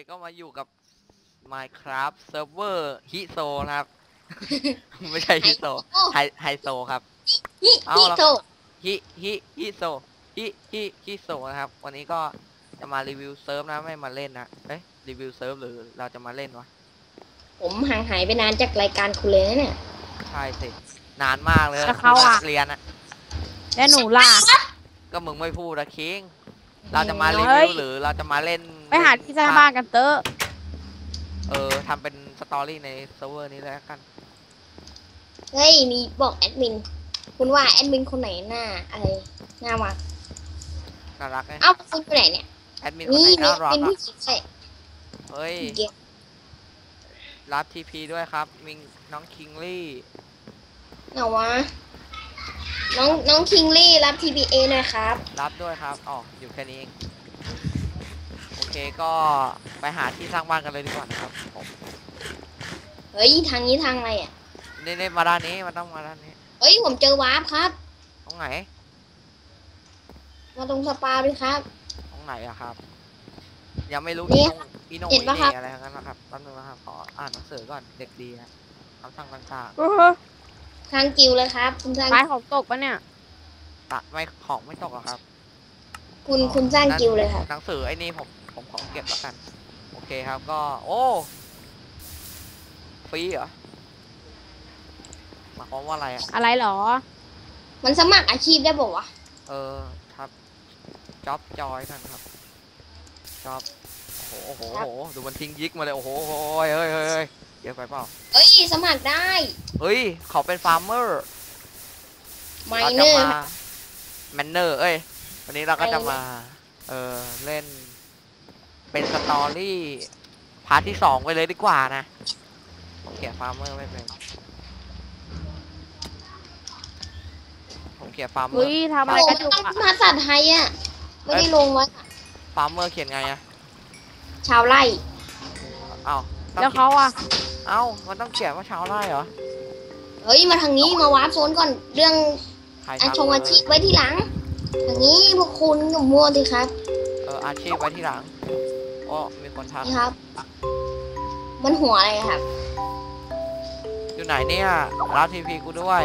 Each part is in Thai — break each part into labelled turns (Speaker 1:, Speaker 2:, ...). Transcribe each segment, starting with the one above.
Speaker 1: ก็มาอยู่กับ Minecraft Server ฮิโซนะครับ ไม่ใช่ฮิโซไฮโซครับเอาละฮิโซฮิโซนะครับ วันนี้ก็จะมารีวิวเซิร์ฟนะไม่มาเล่นนะรีวิวเซิร์ฟหรือเราจะมาเล่นวะ
Speaker 2: ผมห่างหายไปนานจากรายการคุณเลยนะเนี่ย
Speaker 1: ใช่สินานมากเลย
Speaker 3: เขาอะ
Speaker 1: เรียนอะ
Speaker 3: แล้วหนูล่ะ
Speaker 1: ก็มึงไม่พูดนะคิงเราจะมารีวิวหรือเราจะมาเล่น
Speaker 3: ไปหาที่สร้างบ้านกันเตอะ
Speaker 1: ทำเป็นสตอรี่ในเซิร์ฟเวอร์นี้แล้วกัน
Speaker 2: เฮ้ยมีบอกแอดมินคุณว่าแอดมินคนไหนหน้าอะไรหน้าวัก
Speaker 1: น่ารักไง
Speaker 2: เอ้าคุณคนไหนเนี่ย
Speaker 1: แอดมินคนไหนน่ารัก
Speaker 2: เป็นผู้หญิงใช่
Speaker 1: เฮ้ยรับทีพีด้วยครับมิงน้องคิงลี่
Speaker 2: เหงาวะน้องคิงลี่รับ TBA นะครับ
Speaker 1: รับด้วยครับอ๋ออยู่แค่นี้เองโอเคก็ไปหาที่สร้างบ้านกันเลยดีกว่านะครับผม
Speaker 2: เฮ้ยทางนี้ทางอะไรอ่ะ
Speaker 1: นี่มาด้านนี้มันต้องมาด้านนี้
Speaker 2: เฮ้ยผมเจอวาร์ปครับ
Speaker 1: ตรงไหน
Speaker 2: มาตรงสปาด้วยครับ
Speaker 1: ตรงไหนอะครับยังไม่รู้อีโน่อะไรทั้งนั้นนะครับแป๊บนึงนะครับขออ่านหนังสือก่อนเด็กดีนะคำสั่งต่าง
Speaker 2: ทางกิวเลยครับคุณสร้าง
Speaker 3: ไม้ของตกปะเนี่ย
Speaker 1: ไม่ของไม่ตกหรอครับ
Speaker 2: คุณสร้างกิวเลยครับ
Speaker 1: หนังสือไอ้นี่ผมขอเก็บแล้วกันโอเคครับก็โอ้ฟรีเหรอหมายความว่าอะไรอะ
Speaker 3: อะไรหรอ
Speaker 2: มันสมัครอาชีพได้บอกวะ
Speaker 1: ครับจ็อบจอยกันครับจ็อบโอ้โหดูมันทิ้งยิกมาเลยโอ้โหเฮ้ยเยอะไปเปล่า
Speaker 2: เอ้ยสมัครได้
Speaker 1: เฮ้ยเขาเป็นฟาร์มเมอร์
Speaker 2: ไมเนอร์
Speaker 1: แมนเนอร์วันนี้เราก็จะมาเล่นเป็นสตอรี่พาร์ทที่2ไปเลยดีกว่านะผมเขียนฟาร์มเมอร์ไม่เป็นผมเขียนฟาร์มเมอร์
Speaker 3: ทำอะไรกันอยู่
Speaker 2: อะภาษาไทยอ่ะไม่ได้ลงไว้
Speaker 1: ฟาร์มเมอร์เขียนไงอะ
Speaker 2: ชาวไร่
Speaker 3: แล้วเขาอะ
Speaker 1: มันต้องเขียนว่าชาวไร่เหรอ
Speaker 2: เฮ้ยมาทางนี้มาวาร์ปโซนก่อนเรื่องอาชีพไว้ที่หลังทางนี้พวกคุณกับมัวสิครับ
Speaker 1: อาชีพไว้ที่หลังมีคนทัก
Speaker 2: ครับ มันหัวอะไรครับ
Speaker 1: อยู่ไหนเนี่ยรับทีพีกูด้วย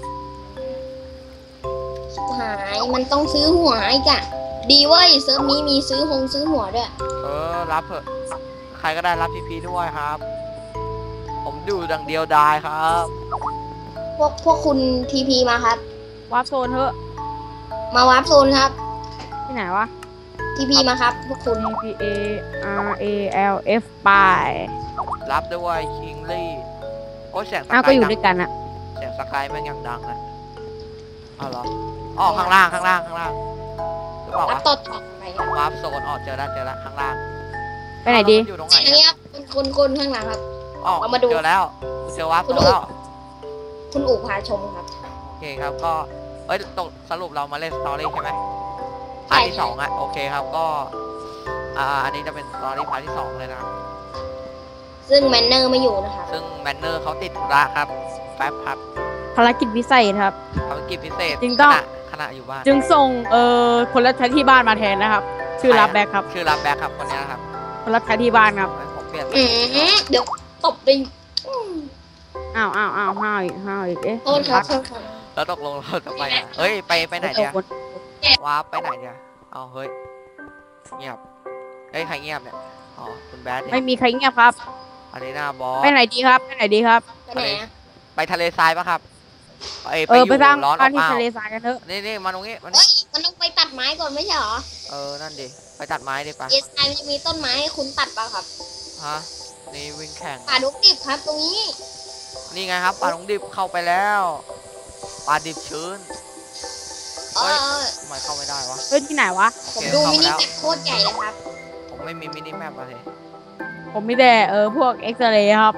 Speaker 2: หายมันต้องซื้อหัวอีกอะดีเว้ยเซิร์ฟนี้มีซื้อหัวด้วย
Speaker 1: รับเถอะใครก็ได้รับทีพีด้วยครับผมดูดังเดียวดายครับ
Speaker 2: พวกคุณทีพีมาครับ
Speaker 3: วาร์ปโซนเถอะ
Speaker 2: มาวาร์ปโซนครับ
Speaker 3: ที่ไหนวะ
Speaker 2: ทีพีมาครับพวกคุณ
Speaker 3: TPA RALF ไป
Speaker 1: รับด้วยคิงลี่เสียงสกาย
Speaker 3: ก็อยู่ด้วยกันอะ
Speaker 1: เสียงสกายมันยังดังนะเหรอข้างล่างหรือเปล่าวะ
Speaker 2: ต่อไป
Speaker 1: วาร์ปโซนเจอแล้วข้างล่าง
Speaker 3: ไปไหนดี
Speaker 1: อยู่ตรงไหน
Speaker 2: ครับคนข้างหลังครับ
Speaker 1: เอามาดูเจอแล้วเจอวาร์ปแล้ว
Speaker 2: คุณอู๋พาชมครับ
Speaker 1: โอเคครับก็ตกสรุปเรามาเล่นสตอรี่ใช่ไหมพาร์ทที่2อ่ะโอเคครับก็อันนี้จะเป็นสตอรี่พาร์ทที่2เลยนะครับ
Speaker 2: ซึ่งแมนเนอร์ไม่อยู่นะครับ
Speaker 1: ซึ่งแมนเนอร์เขาติดธุระครับแป๊บครับ
Speaker 3: ภารกิจพิเศษครับ
Speaker 1: ภารกิจพิเศษ
Speaker 3: จึงต้อง
Speaker 1: ขณะอยู่บ้าน
Speaker 3: จึงส่งคนรับใช้ที่บ้านมาแทนนะครับชื่อรับแบ็คครับ
Speaker 1: ชื่อรับแบ็คครับคนนี้ครับ
Speaker 3: คนรับใช้ที่บ้านครับ
Speaker 1: ผมเปลี่ยน
Speaker 2: เดี๋ยวตบดิ
Speaker 3: ห้าวอีก
Speaker 2: โทษครับ
Speaker 1: แล้วตกลงเราจะไปไปไหนเนี่ยว้าไปไหนเนี่ยเฮ้ยเงียบใครเงียบเนี่ยคุณแบด
Speaker 3: ไม่มีใครเงียบครับ
Speaker 1: อันนี้หน้าบอส
Speaker 3: ไปไหนดีครับ
Speaker 1: ไปทะเลทรายปะครับ
Speaker 3: ไปสร้างบ้านที่ทะเลทรายกันเถอะ
Speaker 1: นี่มาตรงนี้มัน
Speaker 2: ต้องไปตัดไม้ก่อนไม่ใช่หรอ
Speaker 1: นั่นดิไปตัดไม้ดิปะ
Speaker 2: ทะเลทรายมันจะมีต้นไม้ให้คุณตัดป่ะครับ
Speaker 1: นี่วิ่งแข่ง
Speaker 2: ป่าดงดิบครับตรงนี้
Speaker 1: นี่ไงครับป่าดงดิบเข้าไปแล้วป่าดิบชื้นทำไมเข้าไม่ได้วะ
Speaker 3: ที่ไหนวะ
Speaker 2: ผมดูมินิแมปโคตรใหญ่เลยครับ
Speaker 1: ผมไม่มีมินิแมปอะไร
Speaker 3: ผมมีแต่พวกเอ็กซเรย์ครับ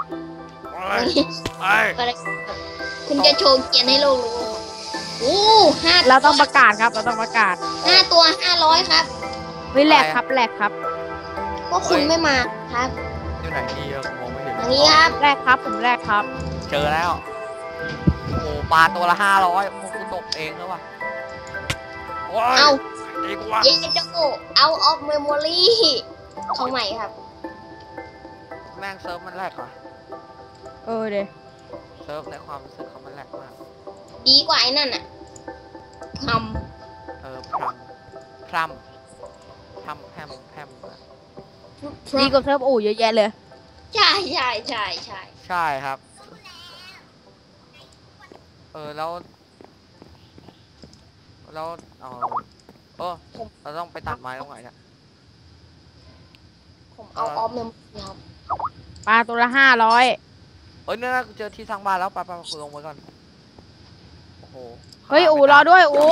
Speaker 2: คุณจะโชว์เกียร์ให้โลกรู้
Speaker 3: เราต้องประกาศครับเราต้องประกาศ
Speaker 2: 5 ตัว 500ครับ
Speaker 3: แหลกครับ
Speaker 2: พวกคุณไม่มาครับ
Speaker 1: อยู่ไหนที่มองไม่เห็น
Speaker 2: อย่างนี้ครับ
Speaker 3: แรกครับผมแรกครับ
Speaker 1: เจอแล้วปลาตัวละ500พวกกูตกเองแล้ววะ
Speaker 2: เย็นจะโกเอาออฟเมมโมรี่เขาใหม่ครับ
Speaker 1: แม่งเซิร์ฟมันแหลกว่ะ
Speaker 3: เออเดย
Speaker 1: เซิร์ฟในความรู้สึกเขามันแหลกมาก
Speaker 2: ดีกว่าไอ้นั่นอ่ะท
Speaker 1: พรัมแพม
Speaker 2: ำ
Speaker 3: ดีกว่าเซิร์ฟอู่เยอะแยะเลย
Speaker 2: ใช่
Speaker 1: ใช่ครับ แล้วเราต้องไปตัดไม้ตรงไหนเนี่ย
Speaker 2: ผมเอาออฟเมมครับ
Speaker 3: ปลาตัวละ500
Speaker 1: เนี่ยกูเจอที่สร้างบ้านแล้วไปกูลงไว้ก่อนโอ้โห
Speaker 3: เฮ้ยอู่รอด้วยอู่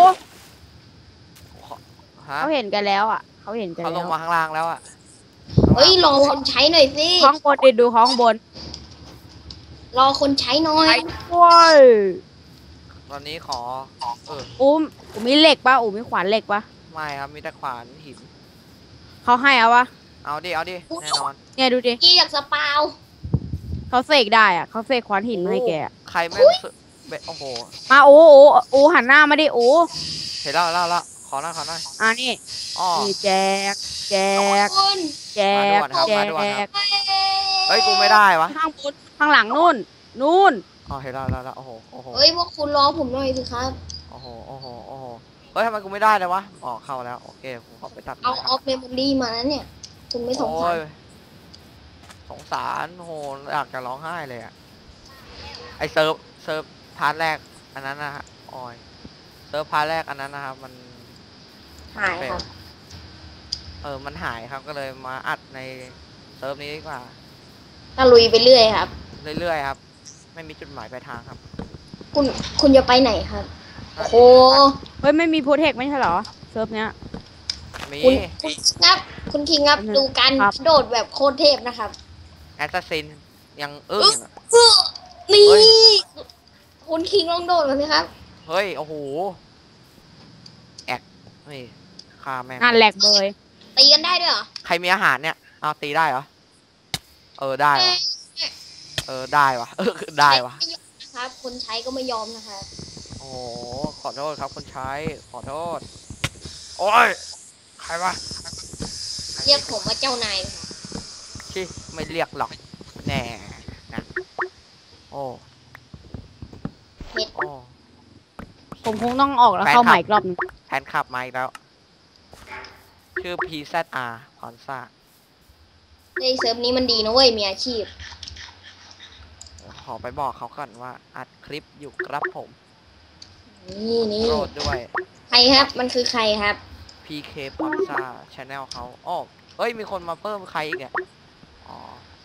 Speaker 1: ฮะ
Speaker 3: เขาเห็นกันแล้วอ่ะเขาเห็นกัน
Speaker 1: เขาล
Speaker 3: แล้
Speaker 1: ง
Speaker 3: ว
Speaker 1: มาข้างล่างแล้วอ่ะ
Speaker 2: เฮ้ยรอคนใช้หน่อยสิ
Speaker 3: ข้างบนดิดูข้างบน
Speaker 2: รอคนใช้หน่อย
Speaker 3: ว้าย
Speaker 1: ตอนนี้ขอ
Speaker 3: อู่มีเหล็กปะอู่มีขวานเหล็กปะ
Speaker 1: ไม่ครับมีแต่ขวานหิน
Speaker 3: เขาให้เอาปะ
Speaker 1: เอาดิแน่นอน
Speaker 3: เนี่ยดูดิ
Speaker 2: กี้อยากสปาว
Speaker 3: เขาเสกได้อ่ะเขาเสกขวานหินมาให้แกอะ
Speaker 1: ใครแม่งโอ้โห
Speaker 3: มาอูหันหน้ามาดิอู
Speaker 1: เห็นแล้วขอหน่อย
Speaker 3: นี่
Speaker 1: อ๋อ
Speaker 3: นี่แจก
Speaker 2: คุณ
Speaker 3: แจก
Speaker 1: มาด่วนครับ
Speaker 3: แจ
Speaker 1: มาด่วนครั
Speaker 3: ก
Speaker 1: บ เฮ้ยกูไม่ได้วะ
Speaker 3: ข้างบนข้างหลังนู่น
Speaker 1: อ๋อเห็นแล้วโอ้โห
Speaker 2: เฮ้ยพวกคุณรอผมหน่อยสิครับ
Speaker 1: โอ้โหเฮ้ยทำไมกูไม่ได้เลยวะอ๋อเข้าแล้วโอเคกูขอไปตัด
Speaker 2: เอา
Speaker 1: ไม้
Speaker 2: ออฟเมมโมรี่มานะเนี่ย คุณไม่สงสาร
Speaker 1: โอ้ยสงสารโหอยากจะร้องไห้เลยอะไอเซิร์ฟพาร์ทแรกอันนั้นนะฮะออยเซิร์ฟพาร์ทแรกอันนั้นนะครับมัน
Speaker 2: หายครับ
Speaker 1: มันหายครับก็เลยมาอัดในเซิร์ฟนี้ดีกว่า
Speaker 2: ตะลุยไปเรื่อยครับ
Speaker 1: เรื่อยๆครับ ไม่มีจุดหมายปลายทางครับ
Speaker 2: คุณจะไปไหนครับโอ้โห
Speaker 3: เฮ้ยไม่มีโปรเทคไม่ใช่เหรอเซิร์ฟเนี้ย
Speaker 1: มี
Speaker 2: คุณครับ คุณคิงครับ
Speaker 3: อันนั้น
Speaker 2: ดูการ
Speaker 3: ครับ
Speaker 2: โดดแบบโคตรเทพนะครับ
Speaker 1: แอสซัสซินยังอะ
Speaker 2: นี่
Speaker 1: เฮ้ย
Speaker 2: คุณคิงลองโดดมาสิครับ
Speaker 1: เฮ้ยโอ้โหแอกนี่ฆ่าแม่ง
Speaker 3: งานแหลกเบย
Speaker 2: ตีกันได้ด้วยเหรอ
Speaker 1: ใครมีอาหารเนี่ยเอาตีได้เหรอได้วะได้วะได้วะ
Speaker 2: ไม่ยอมนะครับ คนใช้ก็ไม่ยอมนะครับ
Speaker 1: โอ้โหขอโทษครับคนใช้ขอโทษโอ้ยใครวะ
Speaker 2: เรียกผมว่าเจ้านายค่ะ
Speaker 1: ชิไม่เรียกหรอกแน่นะโอ้
Speaker 2: เม็ด
Speaker 1: โอ้
Speaker 3: ผมคงต้องออกแล้วเข้าใหม่อีกรอบนึง
Speaker 1: แทนขับมาอีกแล้ว ชื่อ PZR พอนซ่า
Speaker 2: เฮ้ยเซิร์ฟนี้มันดีนะเว้ย มีอาชีพ
Speaker 1: ขอไปบอกเขาก่อนว่าอัดคลิปอยู่ครับผม
Speaker 2: นี่
Speaker 1: โปรดด้วย
Speaker 2: ใครครับ มันคือใครครับ
Speaker 1: PK พอนซ่าชาแนลเขาอ้อเฮ้ย มีคนมาเพิ่มใครอีกเนี่ยอ๋อ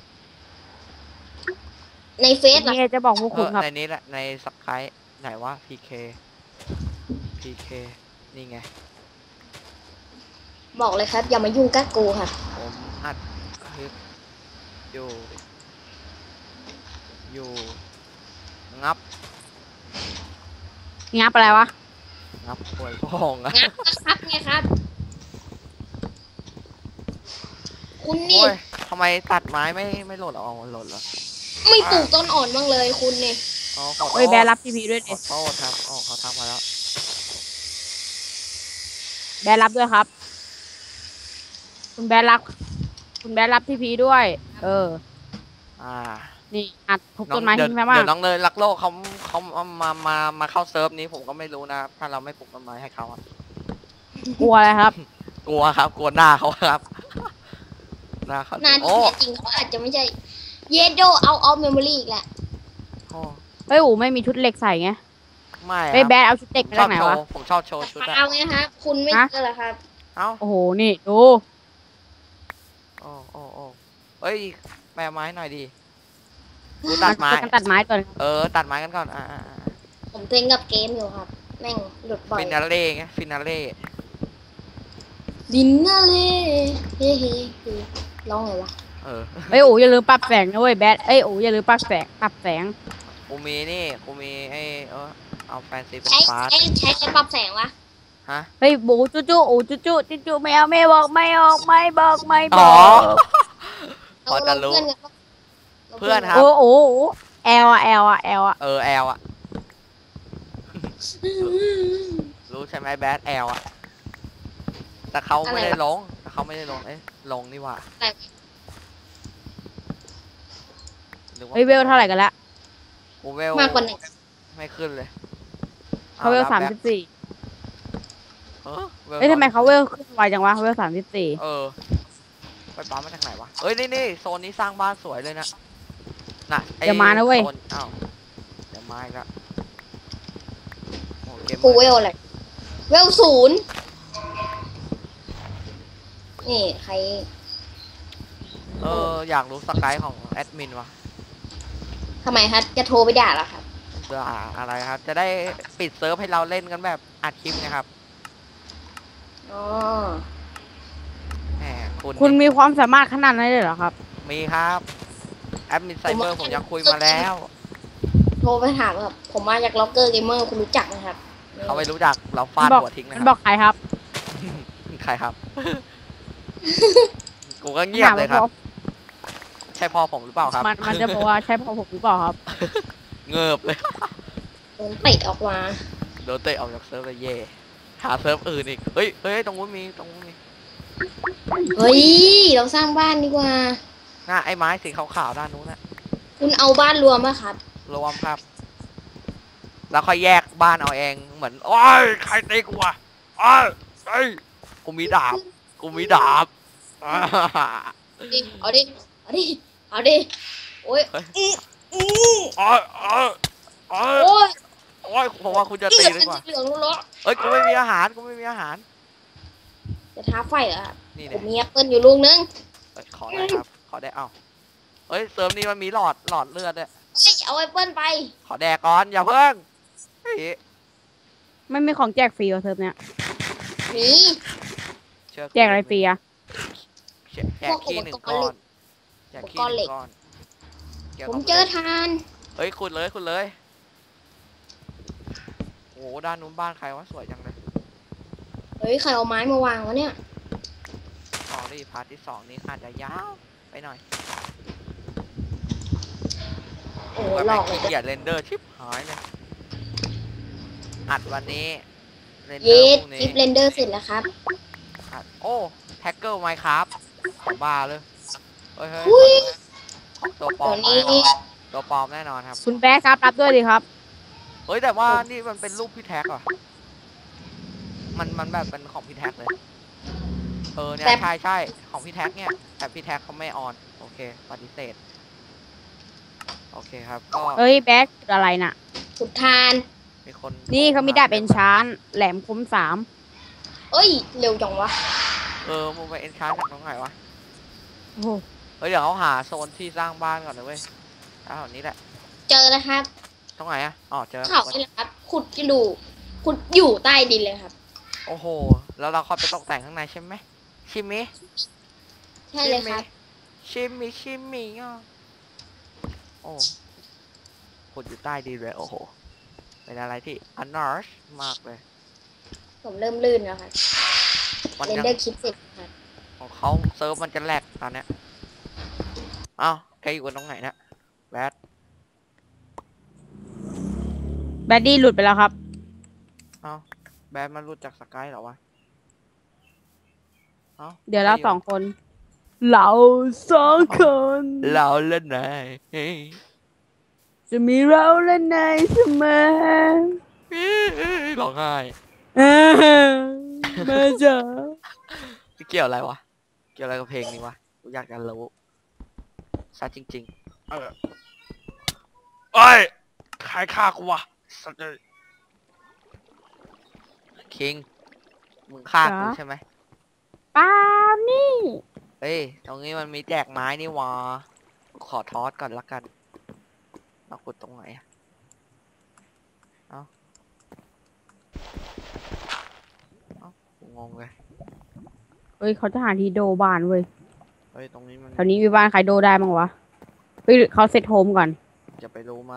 Speaker 2: ในเฟซเหรอ
Speaker 3: นี่จะบอกพวกคุณครับ
Speaker 1: ในนี้แหละ ในสับไครไหนวะ PK นี่ไง
Speaker 2: บอกเลยครับ อย่ามายุ่งกับกูครับ
Speaker 1: ผมอัดคลิปอยู่งับ
Speaker 3: งับอะไรวะ
Speaker 1: งับป่วยพองอะ
Speaker 2: งับนะครับไงครับ คุณนี่
Speaker 1: โอ้ยทำไมตัดไม้ไม่หล่นเหรออ๋อหล่นเหรอ
Speaker 2: ไม่ปลูกต้นอ่อนบ้างเลยคุณนี่
Speaker 1: อ๋อขอโทษ
Speaker 3: เฮ้ยแบร์รับทีพีด้วย
Speaker 1: ข
Speaker 3: ดิ
Speaker 1: อโทษครับอ๋อเขาทักมาแล้ว
Speaker 3: แบร์รับด้วยครับ คุณแบร์รับทีพีด้วย
Speaker 1: อ่า
Speaker 3: นี่อัดทุบ
Speaker 1: น้อ
Speaker 3: ต้
Speaker 1: ง
Speaker 3: นไม้
Speaker 1: เดี๋ยว
Speaker 3: ทิ้งไปมาก
Speaker 1: เดี๋ยวน้องเนยรักโลกเขามาเข้าเซิร์ฟนี้ผมก็ไม่รู้นะถ้าเราไม่ปลูกต้นไม้ให้เขาอะ
Speaker 3: กลัวอะไรครับ
Speaker 1: กลัวครับกลัวหน้าเขาครับหน้าเขา
Speaker 2: นาน
Speaker 1: โอ้
Speaker 2: ที่แท้จริงเขาอาจจะไม่ใช่ เยโดเอาออฟเมมโมรี่อีกแหละ
Speaker 1: โอ้
Speaker 3: เฮ้ยอูไม่มีชุดเหล็กใส่ไง
Speaker 1: ไม่
Speaker 3: เฮ้ย
Speaker 1: ค
Speaker 3: แบ
Speaker 1: รับ
Speaker 3: ร์เอาชุดเหล็กมา
Speaker 1: ชอ
Speaker 3: จาก
Speaker 1: บ
Speaker 3: ไหน
Speaker 1: โช
Speaker 3: วะ
Speaker 1: ว์ผมชอบโชว์ชุดอะ
Speaker 2: เอาไงครับ คุณไม่
Speaker 3: ฮะ
Speaker 2: เจอเหรอครับ
Speaker 1: เอ้า
Speaker 3: โอ้โหนี่ดู
Speaker 1: โอ้เฮ้ยแปลไม้หน่อยดิกูตัดไม้
Speaker 3: กันตัดไม้ตัวนึง
Speaker 1: ตัดไม้กันก่อน
Speaker 2: ผมเล่นกับเกมอยู่ครับ แม่งหลุดบ่อย
Speaker 1: ฟินาเล่ไงฟินาเล่
Speaker 2: ดินน่าเล่เฮ้เฮ้เฮ้ร้องไงวะ
Speaker 3: เฮ้ยอูอย่าลืมปรับแสงนะเว้ยแบร์อูอย่าลืมปรับแสง
Speaker 1: กูมีไอ้เอาแฟนซีเป็น
Speaker 2: ใช้
Speaker 1: ฟ้า
Speaker 2: ใช้ปรับแสงวะ
Speaker 1: ฮะ
Speaker 3: เฮ้ยบูจูอูจูไม่เอาไม่บอกไม่ออกไม่บอกไม่บ
Speaker 1: อ๋
Speaker 3: อ
Speaker 1: อ
Speaker 3: ก
Speaker 1: พอจะรู้
Speaker 2: เรา
Speaker 1: เพื่อนครับ
Speaker 3: โอ้แอลอะ
Speaker 1: แอลอะรู้ใช่ไหมแบดแอลอะแต่เขาไม่ได้ลงเอ๊ะลงนี่หว่าหรือว่า
Speaker 3: เฮ้ยเวลเท่าไหร่กันละ
Speaker 1: กูเวล
Speaker 2: มากกว่าหนึ่ง
Speaker 1: ไม่ขึ้นเลย
Speaker 3: เขาเวล
Speaker 1: อ
Speaker 3: 34
Speaker 1: วล
Speaker 3: เฮ้ยทำไมเขาเวลขึ้นไวจังวะเวล34
Speaker 1: เออไปปั๊มมาจากไหนวะเอ้ยนี่โซนนี้สร้างบ้านสวยเลยนะน่ะไอ้
Speaker 3: เดี๋ยวมานะเว้ย
Speaker 1: โซอ้าวเดี๋ยวมาอีกแล้วโอ้เกม
Speaker 2: กูเวลอะไรเวล0นี่ใคร
Speaker 1: อยากรู้สกายของแอดมินวะ
Speaker 2: ทำไมครับจะโทรไปด่าเหรอครับ
Speaker 1: อะไรครับ จะได้ปิดเซิร์ฟให้เราเล่นกันแบบอัดคลิปนะครับ
Speaker 2: อ๋อ
Speaker 1: แหมคุณ
Speaker 3: คุณมีความสามารถขนาดนั้นเลยเหรอครับ
Speaker 1: มีครับแอดมินไซเบอร์ผมยังคุยมาแล้ว
Speaker 2: โทรไปถามครับผมมาจากล็อกเกอร์เกมเมอร์คุณรู้จักไหมครับ
Speaker 1: เขาไม่รู้จักเราฟาด
Speaker 3: บอก
Speaker 1: หัวทิ้งนะ
Speaker 3: มัน
Speaker 1: ค
Speaker 3: บ
Speaker 1: รั
Speaker 3: อบ กใครครับ
Speaker 1: ใครครับ กูก็เงียบเลยครับ ใช่พ่อผมหรือเปล่าครับ
Speaker 3: มันจะบอกว่าใช่พ่อผมหรือเปล่าครับ
Speaker 1: เงิบเลย
Speaker 2: โดนเตะออกมา
Speaker 1: โดนเตะออกจากเซิร์ฟเลยเย่หาเซิร์ฟอื่นอีกเฮ้ยตรงนู้นมี
Speaker 2: เฮ้ยเราสร้างบ้านดีกว่า
Speaker 1: น่าไอ้ไม้สีขาวๆด้านนู้นนะ
Speaker 2: คุณเอาบ้านรวมไหมครับ
Speaker 1: รวมครับ แล้วค่อยแยกบ้านเอาเองเหมือนโอ้ยใครตีกูวะโอ้ยเฮ้ยกูมีดาบ
Speaker 2: เอาดิโอ้ย
Speaker 1: โอ้ย
Speaker 2: โอ้ย
Speaker 1: ผมว่าคุณจะตีดีกว่า
Speaker 2: เหลืองร้อน
Speaker 1: เอ้ยกูไม่มีอาหาร
Speaker 2: จะท้าไฟเหรอครับ
Speaker 1: นี่
Speaker 2: ผ
Speaker 1: เนี่ย
Speaker 2: มมีแอปเปิลอยู่ลูกนึง
Speaker 1: ขอได้ครับ ขอได้เอ้าเอ้ยเสริมนี้มันมีหลอดเลือดด้วย
Speaker 2: เฮ้ยเอาแอปเปิลไป
Speaker 1: ขอแดกก่อนอย่าเพิ่งเฮ้ย
Speaker 3: ไม่มีของแจกฟรีวะเทอมเนี้ย
Speaker 2: หนี
Speaker 1: เชื่อกู
Speaker 3: แจกอะไรฟรีอะ
Speaker 1: แจกขี้1 ก้อนแจกขี้1 ก้อนกี่ยว
Speaker 2: ผ
Speaker 1: กับ
Speaker 2: มเจอทาน
Speaker 1: เฮ้ยขุดเลยโอ้โหด้านนู้นบ้านใครวะสวยจังเลย
Speaker 2: เฮ้ยใครเอาไม้มาวางวะเนี่ย
Speaker 1: สอรี่พาร์ทที่ 2นี้อาจจะยาวไปหน่อย
Speaker 2: โอ้
Speaker 1: แบบ
Speaker 2: หล
Speaker 1: แม่
Speaker 2: อง กเลย
Speaker 1: ขี้เกียจเรนเดอร์ชิบหายเลยอัดวันนี้เรนเดอ
Speaker 2: เย็
Speaker 1: ร์
Speaker 2: ด
Speaker 1: พรุ่ง
Speaker 2: คลิ
Speaker 1: นี้
Speaker 2: ปเรนเดอร์เสร็จแล้วครับ
Speaker 1: อัดโอ้แท็กเกิลไมค์ครับของบ้าเลยเฮ้ย
Speaker 2: อุ้ย
Speaker 1: ตัวปลอ
Speaker 2: เดี๋ย
Speaker 1: ม
Speaker 2: วนี้
Speaker 1: ตัวปลอมแน่นอนครับ
Speaker 3: คุณแบ๊ครับรับด้วยดิครับ
Speaker 1: เฮ้ยแต่ว่านี่มันเป็นรูปพี่แท็กเหรอมันแบบเป็นของพี่แท็กเลยเนี่ยใช่ของพี่แท็กเนี่ยแต่พี่แท็กเขาไม่ออนโอเคปฏิเสธโอเคครับก็
Speaker 3: เฮ้ยแบ๊อะไรน่ะ
Speaker 2: ขุดทาน
Speaker 1: มีคน
Speaker 3: นี่เขามีดาบเป็นชานแหลมคม3
Speaker 2: เอ้ยเร็วจังวะ
Speaker 1: มึงไปเอ็นชาร์จากตรงไหนวะ
Speaker 3: โอ้โห
Speaker 1: เฮ้ยเดี๋ยวเขาหาโซนที่สร้างบ้านก่อนเลยเว้ยแถวนี้แหละ
Speaker 2: เจอแล้วครับ
Speaker 1: ตรงไหนอะอ๋อเจอ
Speaker 2: เขานี่แหละครับ ขุดกระดูกขุดอยู่ใต้ดินเลยครับ
Speaker 1: โอ้โหแล้วเราค่อยไปตกแต่งข้างในใช่ไหมชิมิ
Speaker 2: ใช่เลยครับ
Speaker 1: ชิมิอ่ะโอ้ขุดอยู่ใต้ดินเลยโอ้โหเป็นอะไรที่อันนอร์ชมากเลย
Speaker 2: ผมเริ่มลื่นแล้วครับ
Speaker 1: มัน
Speaker 2: เรน
Speaker 1: ยัง
Speaker 2: เดอร์คลิปเสร็จครับ
Speaker 1: ของเขาเซิร์ฟมันจะแหลกตอนเนี้ยอ้าวแกอยู่กันตรงไหนนะแบท
Speaker 3: แบดดี้หลุดไปแล้วครับ
Speaker 1: อ้าวแบทมันรู้จักสกายเหรอวะอ้าว
Speaker 3: เดี๋ยวเรา2 คน เรา2 คน
Speaker 1: เราเล่นไหน
Speaker 3: จะมีเราและนายเสมอ
Speaker 1: ร้องไห้
Speaker 3: มาจ้ะ
Speaker 1: เกี่ยวอะไรวะเกี่ยวอะไรกับเพลงนี้วะกูอยากจะรู้ซะจริงๆเอ้ยใครฆ่ากูวะสัตว์เลยคิงมึงฆ่ากูใช่ไหม
Speaker 3: ปาล์มนี่
Speaker 1: เฮ้ยตรงนี้มันมีแจกไม้นี่วะขอทอสก่อนละกันเรากดตรงไหนอะเอากูงงเลย
Speaker 3: เฮ้ยเขาจะหาที่โดบ้านเว้ย
Speaker 1: เฮ้ยตรงนี้มัน
Speaker 3: แถวนี้มีบ้านใครโดได้บ้างวะ เฮ้ยเขาเซตโฮมก่อน
Speaker 1: จะไปรู้ไหม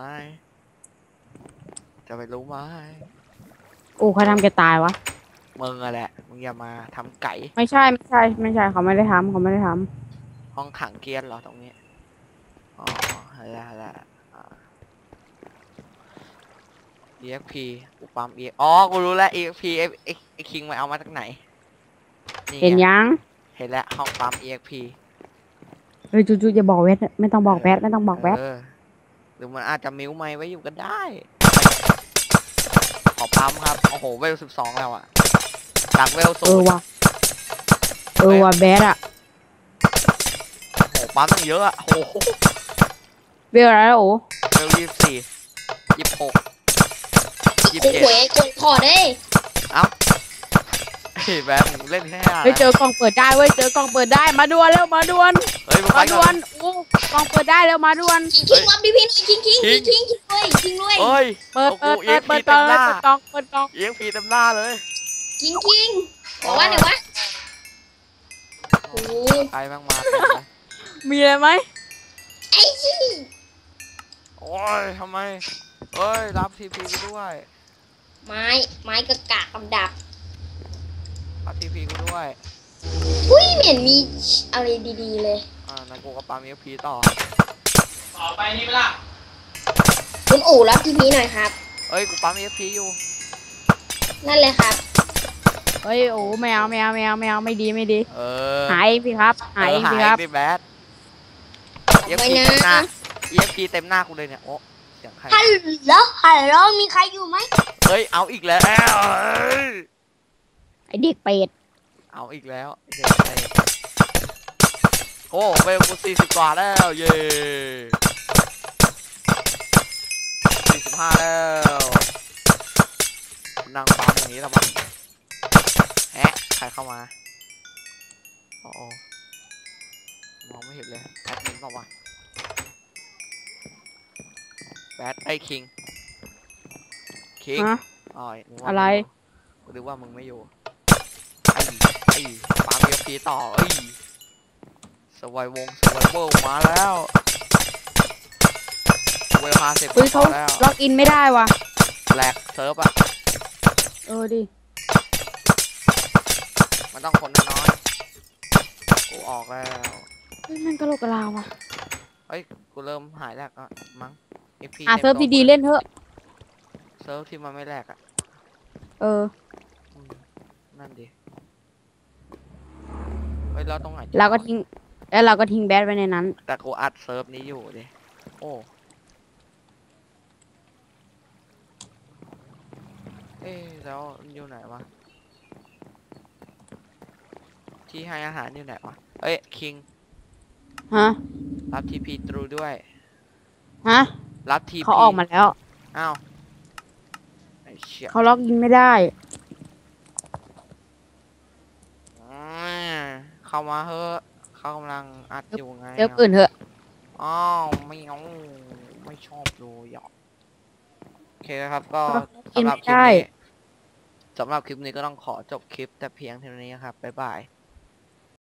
Speaker 1: จะไปรู้ไหม
Speaker 3: โอ้เขาทำแกตายวะ
Speaker 1: มึงอะแหละมึงอย่ามาทำไก่
Speaker 3: ไม่ใช่เขาไม่ได้ทำ
Speaker 1: ห้องขังเกียร์เหรอตรงนี้ อ๋ออะไรEXP กูปั๊ม EXP อ๋อ กูรู้แล้ว EXP ไอ้คิงมันเอามาจากไหน
Speaker 3: เห็นยัง
Speaker 1: เห็นแล้วห้องปั๊ม EXP
Speaker 3: เฮ้ยจูอย่าบอกแวดไม่ต้องบอกแวด
Speaker 1: เออรือมันอาจจะมิวไม้ไว้อยู่ก็ได้ ขอปั๊มครับ โอ้โห เวล12แล้วอะจากเวล
Speaker 3: เออ
Speaker 1: 0
Speaker 3: ว่ะแบดอะ
Speaker 1: โอ้โหปั๊มตั้งเยอะอะโอ้โห
Speaker 3: เวลอะไรแล้วโอ้
Speaker 1: เวล24 26
Speaker 2: กูหวยกดขอได้
Speaker 1: เอ้าเฮ้ยแบงเล่นแค่ห้า
Speaker 3: เฮ้ยเจอกล่องเปิดได้เว้ยเจอกล่องเปิดได้มาด่วนเร็วมาด่วน
Speaker 1: เฮ้ยมาไป
Speaker 3: มา
Speaker 1: ก่
Speaker 3: ด่ว
Speaker 1: อน
Speaker 3: นโอ้กล่องเปิดได้เร็วมาด่วน
Speaker 2: คิงวับดิพี่หน่อยคิงเลยคิงเลย
Speaker 1: เฮ้ย
Speaker 3: เปิด
Speaker 1: โอ้โห
Speaker 3: เปิด
Speaker 1: EXP เต็มหน้า
Speaker 3: กล่องเปิดกล่อง
Speaker 1: EXP เต็มหน้าเลย
Speaker 2: คิงไหนวะโอ้
Speaker 1: ใครบ้างมาเต็มเลย
Speaker 3: มีอะไรไหม
Speaker 2: ไอ้ชี้
Speaker 1: โอ้ยทำไมเฮ้ยรับทีพีกูด้วย
Speaker 2: ไม้กระกากำดับ
Speaker 1: รับทีพีกูด้วย
Speaker 2: อุ้ยไม่เห็นมีอะไรดีๆเลย
Speaker 1: นั่นกูก็ปั๊ม EXP ต่อ
Speaker 4: ต่อไปนี่เวลา
Speaker 2: คุณอู๋รับทีพีหน่อยครับ
Speaker 1: เอ้ยกูปั๊ม EXP อยู่
Speaker 2: นั่นเลยครับ
Speaker 3: เฮ้ยโอ้ไม่เอาไม่ดี
Speaker 1: เออ
Speaker 3: หายพี่ครับหายพี่ครับ
Speaker 1: ดิแบด
Speaker 2: ไม่
Speaker 1: EXP
Speaker 2: นะ
Speaker 1: เต็มหน้า EXP เต็มหน้ากูเลยเนี่ยโอ้เสียงใคร
Speaker 2: ฮัลโหลมีใครอยู่ไหม
Speaker 1: เฮ้ยเอาอีกแล้ว
Speaker 3: ไอเด็กเป็ด
Speaker 1: เอาอีกแล้วเด็กไทยโอ้เวลกู40 กว่าแล้วเย่45แล้วนั่งปั๊มอย่างนี้แล้วมั้งแฮะใครเข้ามาโอ้โหมองไม่เห็นเลยแอดมินเปล่าวะแบดไอ้คิง
Speaker 3: ฮะ
Speaker 1: นึกว่า
Speaker 3: อะไร
Speaker 1: กูนึกว่ามึงไม่อยู่ไอ้ปาล์มเอฟพีต่อสวายวงมาแล้วเวล50
Speaker 3: เฮ้ยเขา
Speaker 1: แล้ว
Speaker 3: ล็อกอินไม่ได้ว่ะ
Speaker 1: แหลกเซิร์ฟอ่ะ
Speaker 3: ดิ
Speaker 1: มันต้องคนน้อยๆกูออกแล้ว
Speaker 3: เฮ้ยมันกระโหลกกระลาว่ะ
Speaker 1: เฮ้ยกูเริ่มหายแหลกอ่ะมั้ง FP
Speaker 3: เซิร์ฟดีๆเล่นเถอะ
Speaker 1: เซิร์ฟที่มันไม่แหลกอ่ะ
Speaker 3: อืม
Speaker 1: นั่นดิเฮ้ยเราตรงไหน
Speaker 3: เราก็ทิ้งแบดไว้ในนั้น
Speaker 1: แต่กูอัดเซิร์ฟนี้อยู่ดิโอ้แล้วมันอยู่ไหนวะที่ให้อาหารอยู่ไหนวะเอ้ยคิง
Speaker 3: ฮะ
Speaker 1: รับทีพีตรูด้วย
Speaker 3: ฮะ
Speaker 1: รับทีพี
Speaker 3: เขาออกมาแล้ว
Speaker 1: อ้าวไอ้เชี่ย
Speaker 3: เขาล็อกอินไม่ได้
Speaker 1: เข้ามาเฮ้อะเขากำลังอัดอยู่ไง
Speaker 3: เซิร์ฟอื่นเถอะ
Speaker 1: อ้าวไม่เอาไม่ชอบดูหยอกโอเคครับก็
Speaker 3: กิน
Speaker 1: สำหรับ
Speaker 3: ไม่
Speaker 1: คลิป
Speaker 3: ได้
Speaker 1: นี้สำหรับคลิปนี้ก็ต้องขอจบคลิปแต่เพียงเท่านี้ครับบ๊ายบาย